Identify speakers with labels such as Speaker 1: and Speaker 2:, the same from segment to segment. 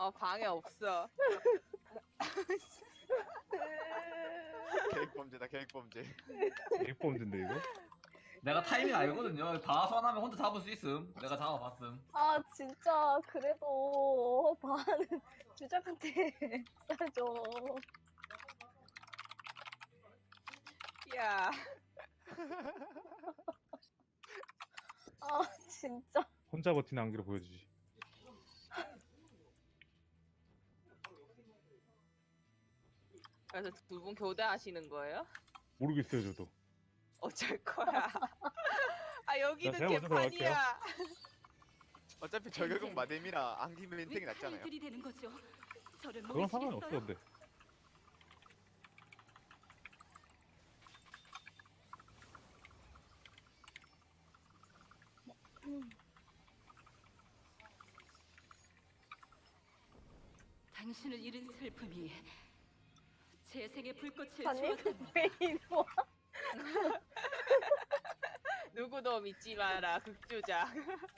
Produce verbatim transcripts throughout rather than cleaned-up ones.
Speaker 1: 어, 방에 없어.
Speaker 2: 계획범죄다 계획범죄.
Speaker 3: 계획범죄인데 이거?
Speaker 4: 내가 타이밍 알거든요. 다 소환하면 혼자 잡을 수 있음. 내가 잡아봤음.
Speaker 5: 아 진짜 그래도 반은 주작한테 싸줘.
Speaker 1: 야,
Speaker 5: 아 진짜.
Speaker 3: 혼자 버티는 안기로 보여주지.
Speaker 1: 그래서 두 분 교대하시는 거예요?
Speaker 3: 모르겠어요 저도.
Speaker 1: 어쩔 거야. 아, 여기는
Speaker 3: 제가 먼저
Speaker 1: 개판이야.
Speaker 2: 어차피 저격은 마뎀이라 안기면 인생이 낫잖아요.
Speaker 6: 들이대는 거죠. 저를
Speaker 3: 그건 상관이 없어
Speaker 6: 모르시겠어요?
Speaker 3: 근데.
Speaker 6: 당신을 잃은 슬픔이 제 생의 불꽃을
Speaker 5: 아니
Speaker 6: 주었다면
Speaker 5: 왜 이리 와?
Speaker 1: 누구도 믿지 마라, 극주작.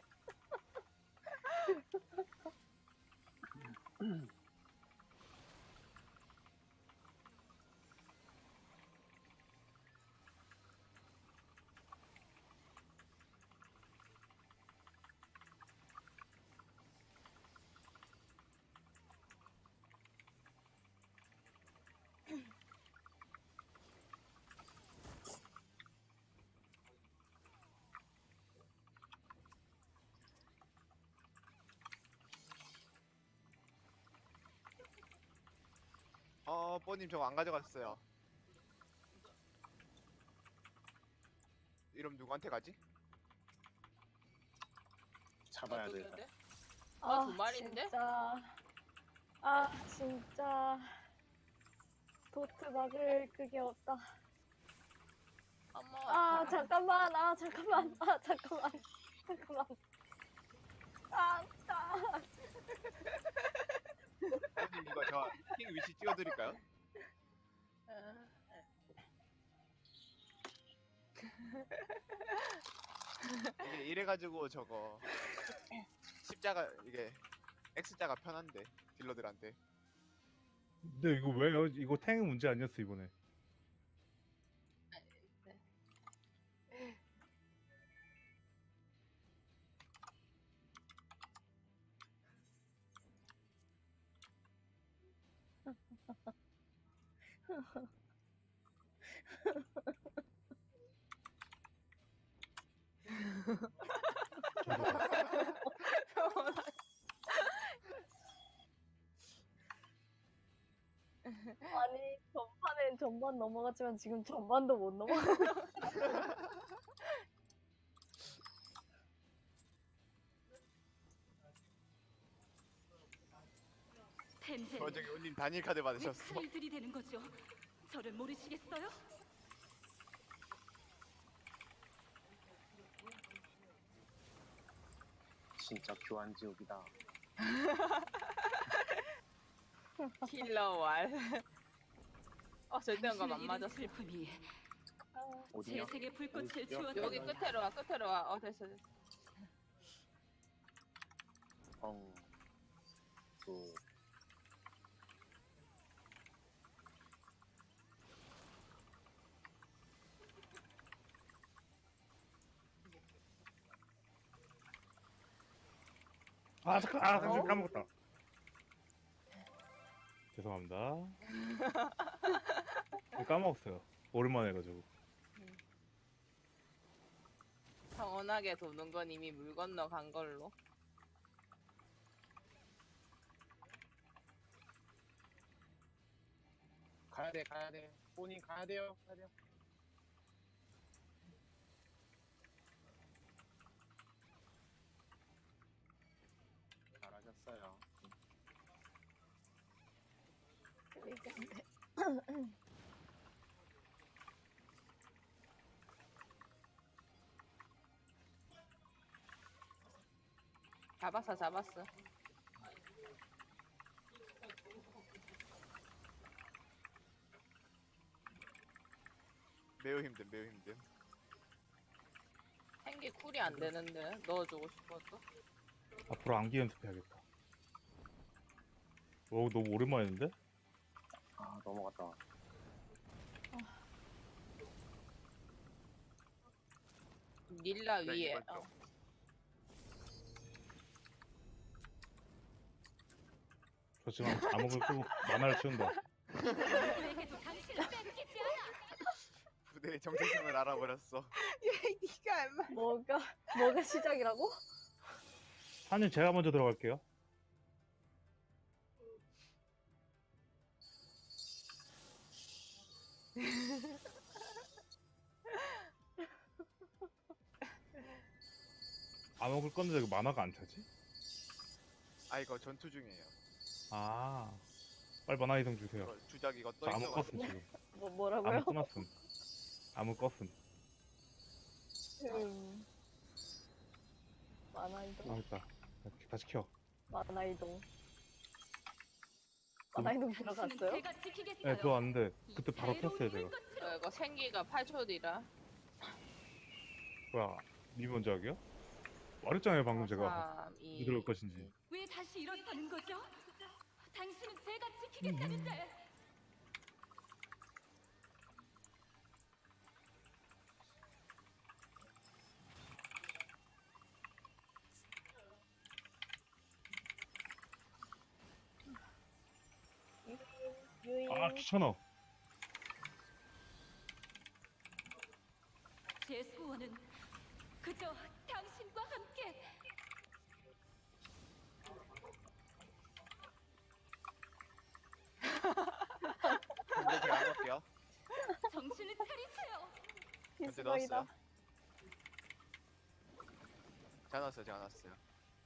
Speaker 2: 어 뽀님 저거 안 가져갔어요. 이름 누구한테 가지?
Speaker 7: 잡아야
Speaker 1: 어떻게
Speaker 7: 돼.
Speaker 1: 해야 돼? 아, 두 마리인데?
Speaker 5: 진짜. 아 진짜. 도트 막을 그게 없다.
Speaker 1: 어머.
Speaker 5: 아 잠깐만. 아 잠깐만. 아 잠깐만. 잠깐만. 아 아.
Speaker 2: 뽀님 이거 저 킹 위치 찍어드릴까요?
Speaker 1: 어.
Speaker 2: 이게 이래가지고 저거 십자가 이게 X자가 편한데 딜러들한테.
Speaker 3: 근데 이거 왜요? 이거 탱 문제 아니었어 이번에.
Speaker 5: 아니 전판엔 전반 넘어갔지만 지금 전반도 못 넘어가.
Speaker 6: 텐젠
Speaker 2: 어 저기 온님 단일 카드
Speaker 6: 왜
Speaker 2: 받으셨어.
Speaker 6: 칼을 들이대는 거죠? 저를 모르시겠어요?
Speaker 7: 진짜 교환 지옥이다.
Speaker 1: 킬러 왈. 어, 절대감감 안
Speaker 6: 당신을 잃은
Speaker 1: 맞았어.
Speaker 6: 슬픔이
Speaker 5: 아,
Speaker 6: 제
Speaker 7: 어디냐?
Speaker 6: 생의 불꽃을
Speaker 7: 어디요?
Speaker 1: 여기
Speaker 6: 주었다면
Speaker 1: 끝으로 와, 끝으로 와. 어, 됐어, 됐어.
Speaker 7: 엉. 그
Speaker 3: 아 잠깐 아 잠깐 까먹었다. 죄송합니다. 이거 까먹었어요. 오랜만에 해가지고.
Speaker 1: 평온하게 도는 건 이미 물 건너 간 걸로.
Speaker 7: 가야 돼, 가야 돼. 본인 가야 돼요, 가야 돼요. 잘하셨어요.
Speaker 5: 이게 안 돼.
Speaker 1: 잡았어, 잡았어.
Speaker 2: 매우 힘든 매우 힘든.
Speaker 1: 생기 쿨이 안 되는데 넣어주고 싶어서.
Speaker 3: 앞으로 암기 연습해야겠다. 오 너무 오랜만인데?
Speaker 7: 아 넘어갔다.
Speaker 1: 닐라
Speaker 2: 네,
Speaker 1: 위에.
Speaker 2: 이걸 좀.
Speaker 1: 어.
Speaker 3: 저 지금 암흑을 끄고 만화를 치운다.
Speaker 6: 누구에게도 당신을 뺏기지 않아.
Speaker 2: 부대의 정체성을 알아버렸어.
Speaker 1: 왜 니가 얼마?
Speaker 5: 뭐가 뭐가 시작이라고?
Speaker 3: 사님 제가 먼저 들어갈게요. 암흑을 껐는데 왜 만화가 안 차지?
Speaker 2: 아 이거 전투 중이에요.
Speaker 3: 아 빨리 만화 이동 주세요.
Speaker 2: 이거 주작 이거 떠
Speaker 3: 저 암흑
Speaker 2: 있어가지고.
Speaker 3: 껐음 지금.
Speaker 5: 뭐 뭐라고요?
Speaker 3: 암흑 끊었음. 암흑 껐음.
Speaker 5: 음. 만화 이동.
Speaker 3: 아 됐다. 다시 켜.
Speaker 5: 만화 이동. 만화 이동
Speaker 6: 당신은
Speaker 5: 들어갔어요?
Speaker 6: 제가 지키겠어요.
Speaker 3: 네 들어왔는데
Speaker 6: 이
Speaker 3: 그때 바로
Speaker 6: 자유로운
Speaker 3: 켰어요 제가.
Speaker 6: 물꽃으로.
Speaker 1: 어, 이거 생기가 팔 초 뒤라.
Speaker 3: 뭐야 니 먼저 하게요? 말했잖아요 방금 제가
Speaker 1: 삼, 이,
Speaker 3: 어디 들어올 것인지.
Speaker 6: 왜 다시 일어서는 거죠? 당신은 제가 지키겠다는데.
Speaker 5: 유인.
Speaker 3: 아 귀찮아.
Speaker 6: 제 소원은 그저 당신과 함께.
Speaker 2: 현재 제가 안 할게요.
Speaker 6: 정신을 차리세요.
Speaker 2: 현재
Speaker 5: 비스거이다.
Speaker 2: 넣었어요. 제가 넣었어요. 제가 넣었어요.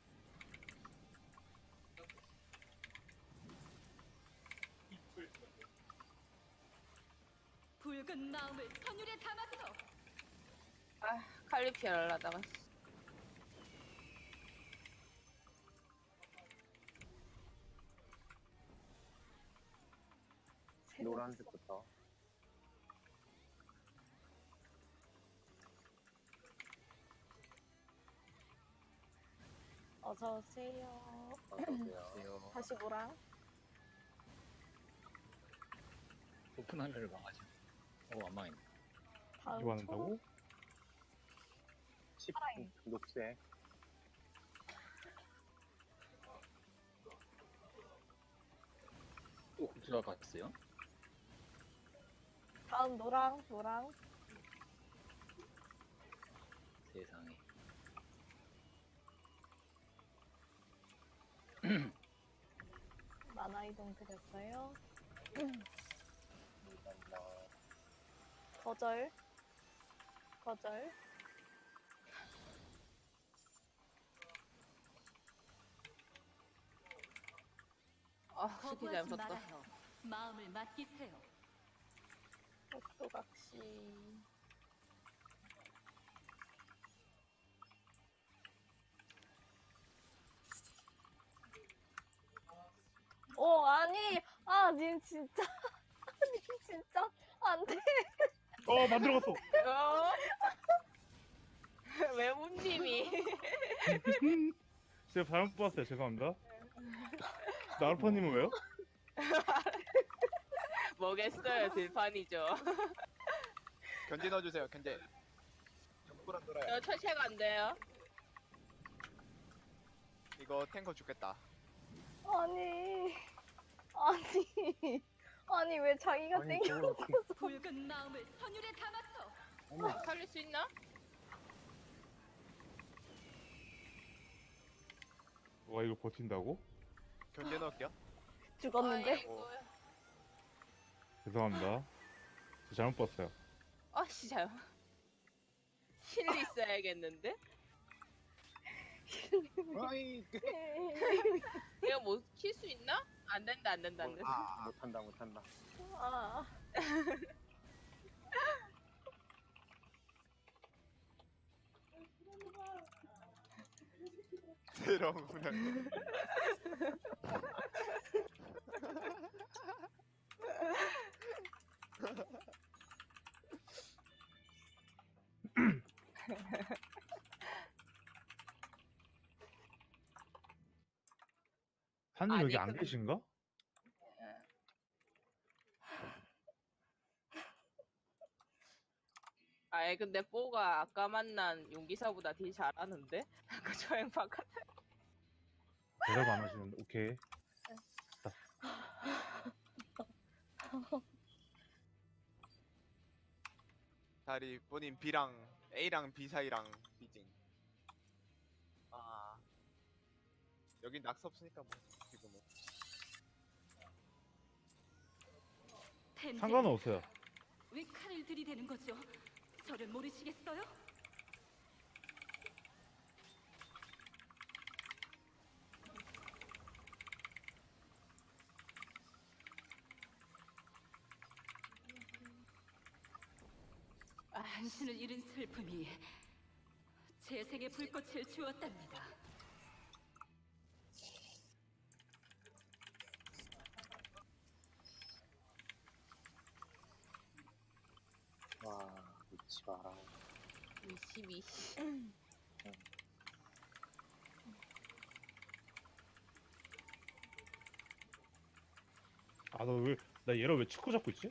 Speaker 6: 붉은 마음을 선율에 담아서.
Speaker 1: 아 칼리피 하려다가.
Speaker 7: 노란색부터.
Speaker 5: 어서 오세요.
Speaker 7: 어서오세요.
Speaker 5: 다시 뭐랑?
Speaker 8: 오픈 하늘을 망하지. 어, 안 망했네.
Speaker 5: 다음
Speaker 3: 이거 한다고?
Speaker 7: 십
Speaker 5: 파랑.
Speaker 7: 녹색.
Speaker 8: 또 들어갔어요?
Speaker 5: 다음 노랑 노랑.
Speaker 8: 세상에.
Speaker 5: 만화 이동 드렸어요.
Speaker 7: 감사합니다.
Speaker 5: 거절. 거절.
Speaker 1: 아 스키
Speaker 6: 거부하지
Speaker 1: 잘못했다.
Speaker 6: 말아요. 마음을 맡기세요.
Speaker 5: 복도각시. 어 아니 아님 진짜 아님 진짜 안돼.
Speaker 3: 어 만들어갔어.
Speaker 1: 어? 왜 운님이?
Speaker 3: 제가 잘못 봤어요. 죄송합니다. 나루파님은 왜요?
Speaker 1: 뭐겠어요 들판이죠.
Speaker 2: 견제 넣어주세요. 견제. 정부랑 놀아요.
Speaker 1: 저 철체가 안 돼요.
Speaker 2: 이거 탱커 죽겠다.
Speaker 5: 아니 아니 아니 왜 자기가
Speaker 7: 아니,
Speaker 5: 땡겨?
Speaker 7: 그거
Speaker 6: 붉은 마음을 선율에 담아서.
Speaker 7: 어머,
Speaker 1: 살릴 수 있나?
Speaker 3: 와 이거 버틴다고?
Speaker 2: 견제 넣을게요.
Speaker 5: 죽었는데?
Speaker 1: 아이고.
Speaker 3: 죄송합니다. 저 잘못 봤어요.
Speaker 1: 아씨 잘. 힐리 있어야겠는데?
Speaker 7: 아이, 그-
Speaker 1: 이거 뭐 킬 수 있나? 안 된다 안 된다 안 된다.
Speaker 2: 아,
Speaker 7: 못한다, 못한다.
Speaker 5: 아
Speaker 2: 새로운 훈련.
Speaker 3: 한님
Speaker 1: 아니,
Speaker 3: 여기 안
Speaker 1: 근데-
Speaker 3: 계신가?
Speaker 1: 근데 뽀가 아까 만난 용기사보다 딜 잘하는데? 아까 저행 바깥
Speaker 3: 대답 안 하시는데 오케이.
Speaker 2: 다리 본인 B랑 A랑 B 사이랑 B징. 아 여긴 낙서 없으니까 뭐 지금은.
Speaker 6: 텐데,
Speaker 3: 상관은 없어요.
Speaker 6: 왜 칼을 들이대는 거죠? 저를 모르시겠어요? 당신을 잃은 슬픔이 제 생의 불꽃을 주었답니다.
Speaker 7: 와, 미치 마라.
Speaker 1: 이십이 씨.
Speaker 3: 아 너 왜 나 얘를 왜 축구 잡고 있지?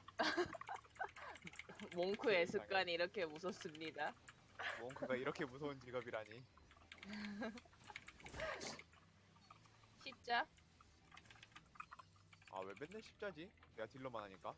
Speaker 1: 몽크의 습관이 이렇게 무섭습니다.
Speaker 2: 몽크가 이렇게 무서운 직업이라니.
Speaker 1: 십자?
Speaker 2: 아 왜 맨날 십자지? 내가 딜러만 하니까.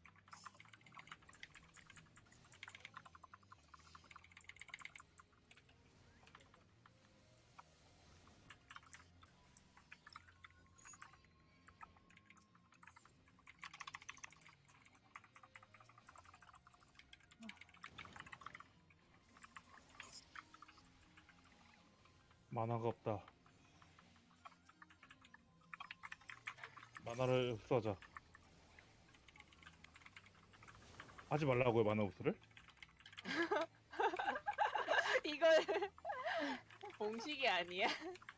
Speaker 3: 만화가 없다. 만화를 흡수하자. 하지 말라고요 만화 흡수를?
Speaker 1: 이걸 공식이 아니야?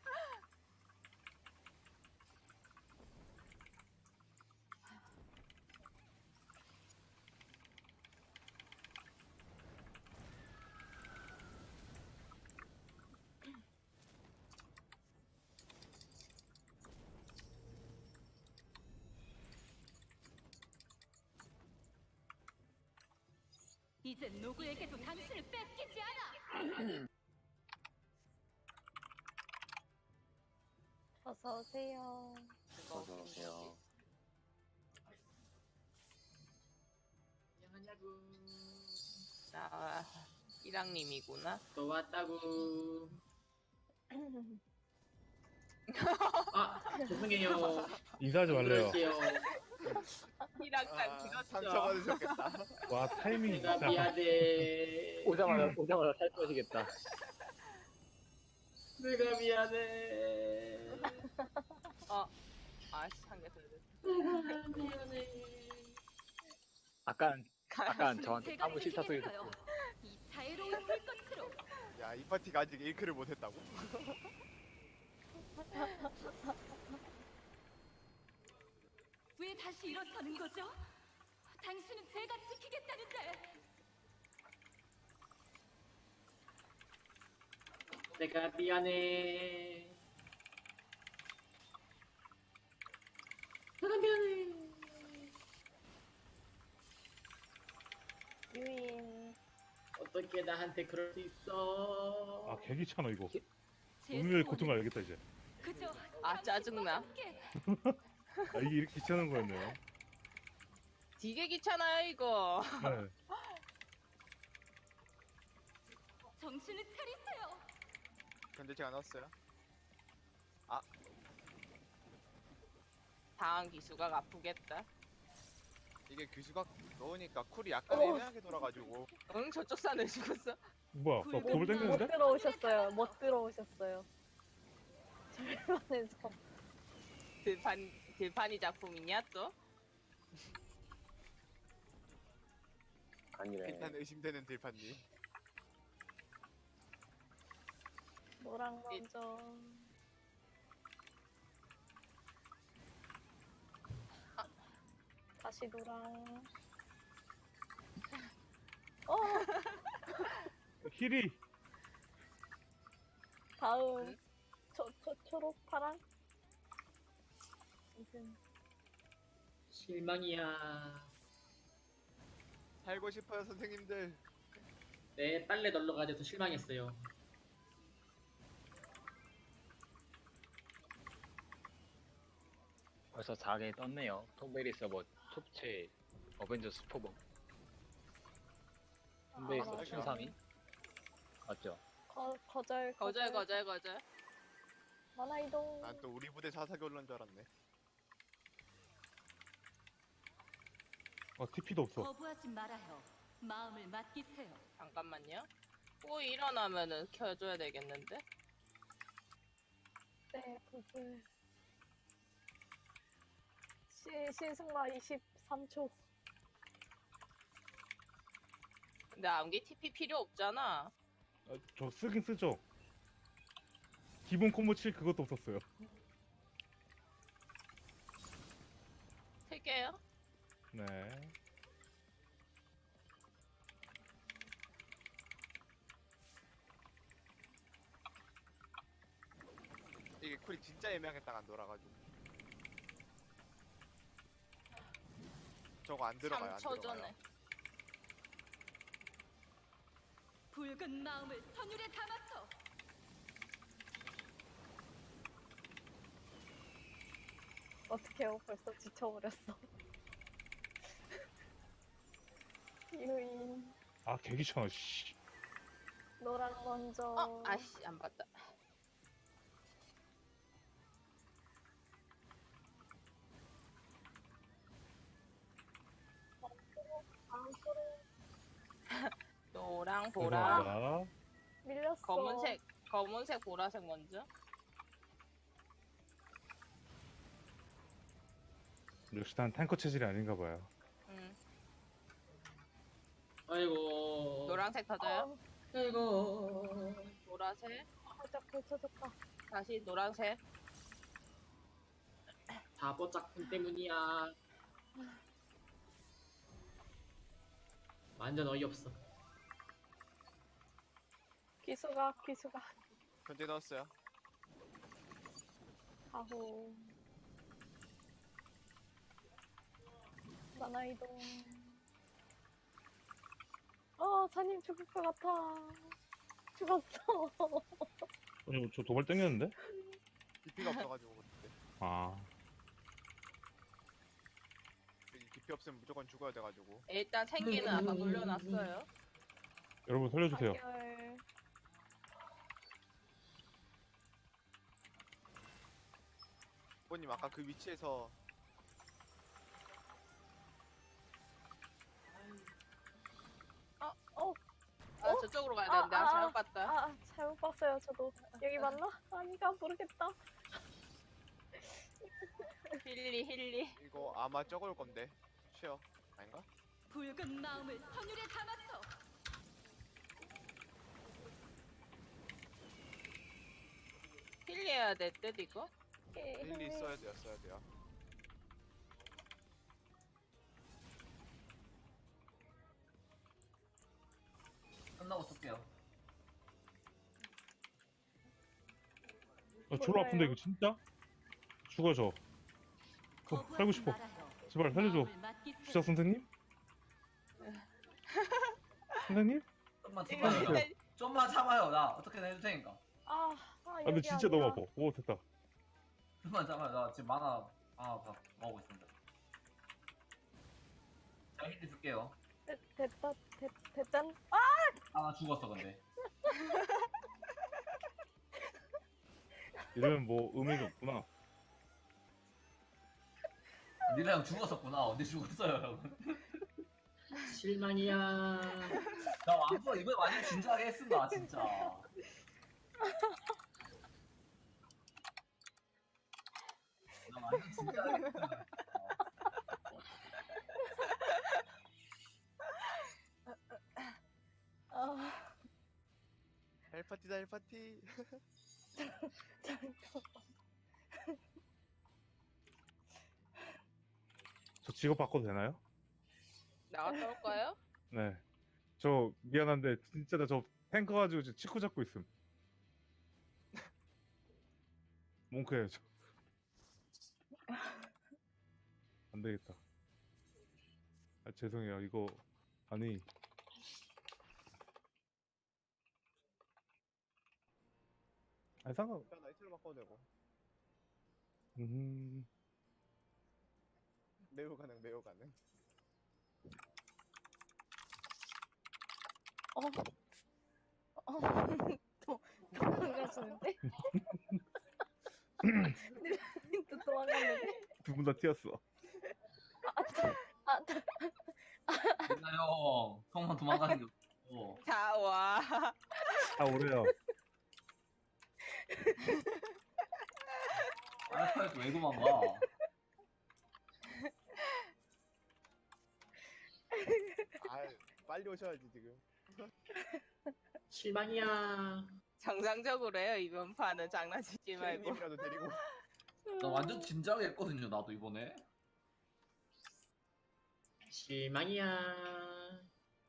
Speaker 6: 이젠 누구에게도 당신을 뺏기지 않아.
Speaker 5: 어서 오세요.
Speaker 7: 어서 오세요.
Speaker 1: 나 이랑님이구나.
Speaker 9: 또 왔다구. 아 죄송해요.
Speaker 3: 인사하지 말래요.
Speaker 9: 그럴게요.
Speaker 1: 이랑단
Speaker 2: 아,
Speaker 1: 길었죠.
Speaker 2: 상처받으셨겠다.
Speaker 3: 와 타이밍이
Speaker 9: 내가
Speaker 3: 진짜.
Speaker 9: 미안해.
Speaker 8: 오자마자 오자마자 살 것이겠다.
Speaker 9: 내가 미안해.
Speaker 1: 어, 아씨 한개 더 됐어.
Speaker 9: 내가 미안해.
Speaker 8: 아깐 아깐
Speaker 6: 당신은
Speaker 8: 저한테
Speaker 6: 제가
Speaker 8: 아무 싫다 소리
Speaker 6: 지키겠어요.
Speaker 8: 듣고
Speaker 6: 이 자애로운 불꽃으로.
Speaker 2: 야 이 파티가 아직 일 킬을 못했다고?
Speaker 6: 왜 다시 일어서는 거죠? 당신은 제가 지키겠다는데.
Speaker 9: 내가 미안해. 내가 미안해.
Speaker 5: 유인.
Speaker 9: 어떻게 나한테 그럴 수 있어?
Speaker 3: 아 개귀찮아 이거.
Speaker 6: 제
Speaker 3: 운명의
Speaker 6: 소원은
Speaker 3: 고통을 알겠다 이제.
Speaker 6: 그저
Speaker 1: 아, 짜증나.
Speaker 6: 함께.
Speaker 3: 아 이게 이렇게 귀찮은 거였네요.
Speaker 1: 되게 귀찮아요 이거.
Speaker 3: 네.
Speaker 6: 정신을 차리세요.
Speaker 2: 근데 제가 넣었어요.
Speaker 1: 다음 기수가 아프겠다.
Speaker 2: 이게 규수가 넣으니까 쿨이 약간
Speaker 5: 어.
Speaker 2: 애매하게 돌아가지고.
Speaker 1: 응 저쪽 산에 죽었어.
Speaker 3: 뭐야? 나
Speaker 6: 굴-
Speaker 3: 겁을
Speaker 5: 못
Speaker 3: 땡겼는데?
Speaker 5: 들어오셨어요. 못 들어오셨어요. 절반에서.
Speaker 1: 들판 들판이 작품이냐 또?
Speaker 7: 아니래.
Speaker 2: 일단 의심되는 들판님.
Speaker 5: 노랑 먼저. 아, 다시 노랑. 어,
Speaker 3: 힐이
Speaker 5: 다음. 초, 초, 초록, 파랑? 무슨.
Speaker 9: 실망이야.
Speaker 2: 살고 싶어요 선생님들.
Speaker 9: 네, 빨래 널러 가야 돼서 실망했어요.
Speaker 8: 벌써 사 개 떴네요. 톰베리 서버 톱체 어벤져스 포버. 톰베리 서버
Speaker 2: 아,
Speaker 8: 춘삼이 맞죠?
Speaker 5: 거, 거절
Speaker 1: 거절 거절 거절.
Speaker 5: 만화 이동.
Speaker 2: 난 또 우리 부대 사사기 올라온 줄 알았네.
Speaker 3: 아 티피도 없어.
Speaker 6: 거부하지 말아요. 마음을 맡기세요.
Speaker 1: 잠깐만요. 또 일어나면은 켜줘야 되겠는데?
Speaker 5: 네, 구슬. 시, 신승마 이십삼 초.
Speaker 1: 근데 암기 티피 필요 없잖아.
Speaker 3: 아, 저 쓰긴 쓰죠. 기본 콤보 칠 그것도 없었어요.
Speaker 1: 틀게요.
Speaker 3: 네.
Speaker 2: 이게 쿨이 진짜 애매하게 딱 안 돌아가지고. 저거 안 들어가요. 안
Speaker 1: 삼 초
Speaker 2: 들어가요.
Speaker 1: 전에.
Speaker 6: 붉은 마음을 선율에 담아서
Speaker 5: 어떡해요, 벌써 지쳐버렸어. 유인.
Speaker 3: 아 개귀찮아. 씨.
Speaker 5: 노랑 먼저.
Speaker 1: 어, 아씨 안 봤다.
Speaker 5: 다음 소리
Speaker 1: 노랑 보라.
Speaker 3: 죄송합니다.
Speaker 5: 밀렸어.
Speaker 1: 검은색 검은색 보라색 먼저.
Speaker 3: 역시 난 탱커 체질이 아닌가 봐요.
Speaker 1: 음.
Speaker 9: 아이고.
Speaker 1: 노란색 터져요.
Speaker 5: 아,
Speaker 9: 아이고.
Speaker 1: 보라색.
Speaker 5: 살짝 걸쳐졌다.
Speaker 1: 다시 노란색.
Speaker 9: 바보 짝꿍 때문이야. 완전 어이없어.
Speaker 5: 기수가, 기수가.
Speaker 2: 현재 넣었어요.
Speaker 5: 아호. 만화 이동. 어, 사님 죽을 것 같아. 죽었어.
Speaker 3: 아니 저 도발 땡겼는데?
Speaker 2: 디피가 없어가지고 그때.
Speaker 3: 아.
Speaker 2: 디피 없으면 무조건 죽어야 돼가지고.
Speaker 1: 일단 생기는 아까 돌려놨어요.
Speaker 3: 여러분 살려주세요.
Speaker 5: 단결.
Speaker 2: 부모님 아까 그 위치에서
Speaker 5: 어,
Speaker 1: 아 저쪽으로 가야
Speaker 5: 아,
Speaker 1: 되는데 아,
Speaker 5: 아,
Speaker 1: 잘못 봤다.
Speaker 5: 아, 잘못 봤어요, 저도. 여기 맞나? 아니가 모르겠다.
Speaker 1: 힐리 힐리.
Speaker 2: 이거 아마 적을 건데. 쉬어. 아닌가?
Speaker 6: 붉은 마음을 선율에 담아서
Speaker 1: 힐리 해야 될 듯 이거.
Speaker 2: 일리 써야 돼요. 써야 돼요.
Speaker 4: 끝나고 쓸게요.
Speaker 3: 아 졸라 아픈데 이거 진짜? 죽어 저. 어, 살고
Speaker 6: 거부하지
Speaker 3: 싶어.
Speaker 6: 말아요.
Speaker 3: 제발 살려줘.
Speaker 6: 마음을 맡기세요.
Speaker 3: 주사 선생님? 선생님?
Speaker 4: 좀만
Speaker 1: 이거
Speaker 4: 참아요.
Speaker 1: 일단
Speaker 4: 좀만 참아요. 나 어떻게든 해줄 테니까.
Speaker 5: 아, 아,
Speaker 3: 아 근데
Speaker 5: 여기
Speaker 3: 진짜
Speaker 5: 아니야.
Speaker 3: 너무 아파. 오 됐다.
Speaker 4: 좀만 참아요. 나 지금 만화 하나 다 먹고 있습니다. 자, 힌트 줄게요.
Speaker 5: 됐, 됐다, 됐, 됐단. 아,
Speaker 4: 아, 나 죽었어, 근데.
Speaker 3: 이러면 뭐 의미가 없구나.
Speaker 4: 니네 형 죽었었구나. 언제 죽었어요, 형?
Speaker 9: 실망이야.
Speaker 4: 나 완전 이번에 완전 진지하게 했습니다, 진짜. 나 완전 진지하게 했습니다.
Speaker 5: 아,
Speaker 2: 헬파티다 헬파티.
Speaker 3: 저 직업 바꿔도 되나요?
Speaker 1: 나갔다 올까요?
Speaker 3: 네. 저 미안한데 진짜 나 저 탱커 가지고 지금 치코 잡고 있음. 몽크예요 저. 안 되겠다. 아 죄송해요 이거 아니 아 상관.
Speaker 2: 일단 나이트로 바꿔도 되고.
Speaker 3: 음.
Speaker 2: 매우 가능, 매우 가능.
Speaker 5: 어. 어. 도, 도망가시는데? 또 도망갔는데?
Speaker 3: 두 분 다 튀었어.
Speaker 5: 아,
Speaker 4: 맨날 형 형만 도망가는 게 없어.
Speaker 1: 자, 와.
Speaker 3: 다 오래요.
Speaker 4: 알파에서 왜 도망가?
Speaker 2: 아, 빨리 오셔야지 지금.
Speaker 9: 실망이야.
Speaker 1: 정상적으로 해요, 이번 판은. 장난치지 말고.
Speaker 2: 케이님이라도 데리고.
Speaker 4: 나 완전 진지하게 했거든요 나도 이번에.
Speaker 9: 실망이야.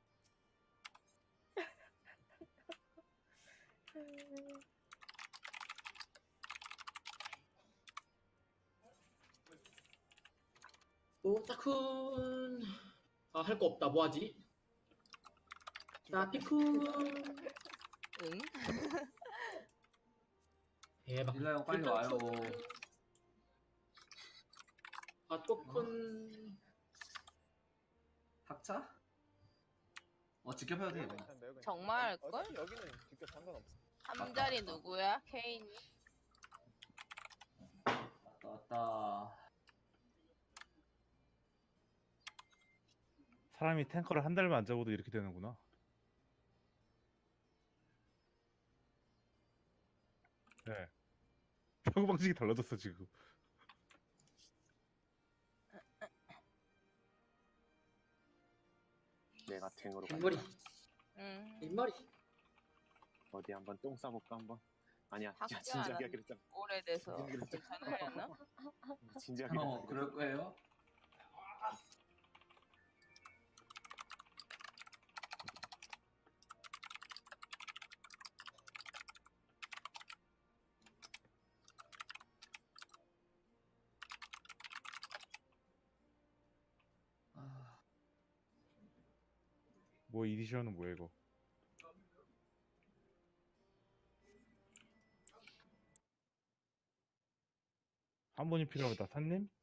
Speaker 9: 오타쿤. 아, 할 거 없다. 뭐 하지? 나피쿤.
Speaker 1: 응?
Speaker 9: 대박.
Speaker 4: 일라 형 빨리 와요.
Speaker 9: 아토쿤.
Speaker 4: 학차? 어 직접해도 돼.
Speaker 2: 매우
Speaker 4: 이거.
Speaker 2: 괜찮, 매우 괜찮.
Speaker 1: 정말
Speaker 2: 어,
Speaker 1: 할걸?
Speaker 2: 어차피 여기는 직접 상관없어.
Speaker 1: 함자리 누구야? 케인이?
Speaker 4: 왔다 왔다.
Speaker 3: 사람이 탱커를 한 달만 안 잡아도 이렇게 되는구나. 네. 사고 방식이 달라졌어 지금.
Speaker 7: 내가 탱으로
Speaker 9: 뒷머리.
Speaker 7: 갈까?
Speaker 1: 응.
Speaker 9: 뒷머리.
Speaker 7: 어디 한번 똥 싸볼까 한번? 아니야,
Speaker 1: 학교
Speaker 7: 야, 진지하게
Speaker 1: 안
Speaker 7: 하기로 했잖아.
Speaker 1: 오래돼서
Speaker 7: 그러니까.
Speaker 1: 괜찮으려나?
Speaker 7: 진지하게.
Speaker 4: 어 그럴 거예요? 아,
Speaker 3: 뭐 이디션은 뭐야 이거? 한 분이 필요하다. 산님?